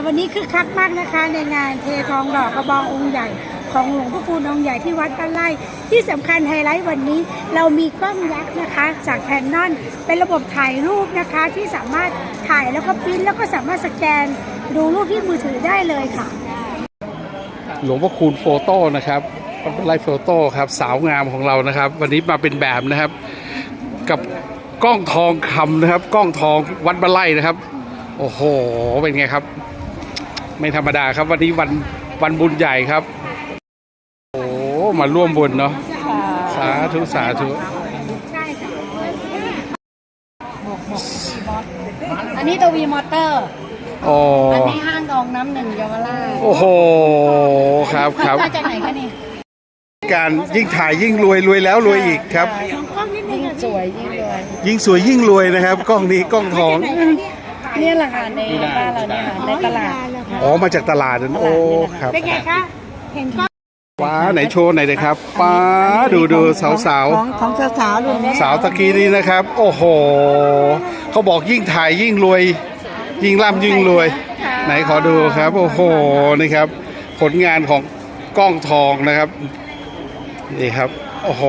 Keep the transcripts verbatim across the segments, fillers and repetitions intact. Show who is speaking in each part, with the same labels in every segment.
Speaker 1: วันนี้คือคักมากนะคะในงานเททองหล่อกระบององค์ใหญ่ของหลวงพ่อคูณองค์ใหญ่ที่วัดบ้านไร่ที่สำคัญไฮไลท์วันนี้เรามีกล้องยักษ์นะคะจากแคนนอนเป็นระบบถ่ายรูปนะคะที่สามารถถ่ายแล้วก็พิมพ์แล้วก็สามารถสแกนดูรูปที่มือถือได้เลยค่ะ
Speaker 2: หลวงพ่อคูณโฟโต้นะครับวัดบ้านไร่โฟโต้ครับสาวงามของเรานะครับวันนี้มาเป็นแบบนะครับกับกล้องทองคำนะครับกล้องทองวัดบ้านไร่นะครับโอ้โหเป็นไงครับไม่ธรรมดาครับวันนี้วันวันบุญใหญ่ครับโอ้มาร่วมบุญเนาะสาธุสาธุ
Speaker 3: อันนี้ตัววีมอเตอร์
Speaker 2: อ๋อ
Speaker 3: อันนี้ห้างทองน้ำหนึ่งเยาวราช
Speaker 2: โอ้โหครับครับ
Speaker 3: มาจากไหนคะนี่
Speaker 2: การยิ่งถ่ายยิ่งรวยรวยแล้วรวยอีกครับ
Speaker 3: ยิ่งสวยยิ่งรวย
Speaker 2: ยิ่งสวยยิ่งรวยนะครับกล้องนี้กล้องทอง
Speaker 3: นี่แหละค่ะในบ้านเราเนี่ยค่ะในตลาด
Speaker 2: อ๋อมาจากตลาดนั่นโอ้ครับ
Speaker 1: เป็นไงคะเห็นก็
Speaker 2: ว้าไหนโชว์ไหนเลยครับป้าดูดูสาวสาว
Speaker 1: ของของสาวสาวรุ่นนี้
Speaker 2: สาวตะกี้นี้นะครับโอ้โหเขาบอกยิ่งถ่ายยิ่งรวยยิ่งร่ำยิ่งรวยไหนขอดูครับโอ้โหนี่ครับผลงานของกล้องทองนะครับนี่ครับโอ้โห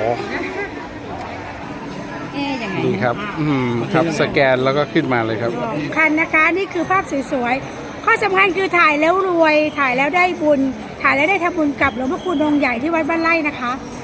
Speaker 2: นี่ครับอืมครับสแกนแล้วก็ขึ้นมาเลยครับ
Speaker 1: คันนะคะนี่คือภาพสวยๆข้อสำคัญคือถ่ายแล้วรวยถ่ายแล้วได้บุญถ่ายแล้วได้ทำบุญกับหลวงพ่อคูณองค์ใหญ่ที่วัดบ้านไร่นะคะ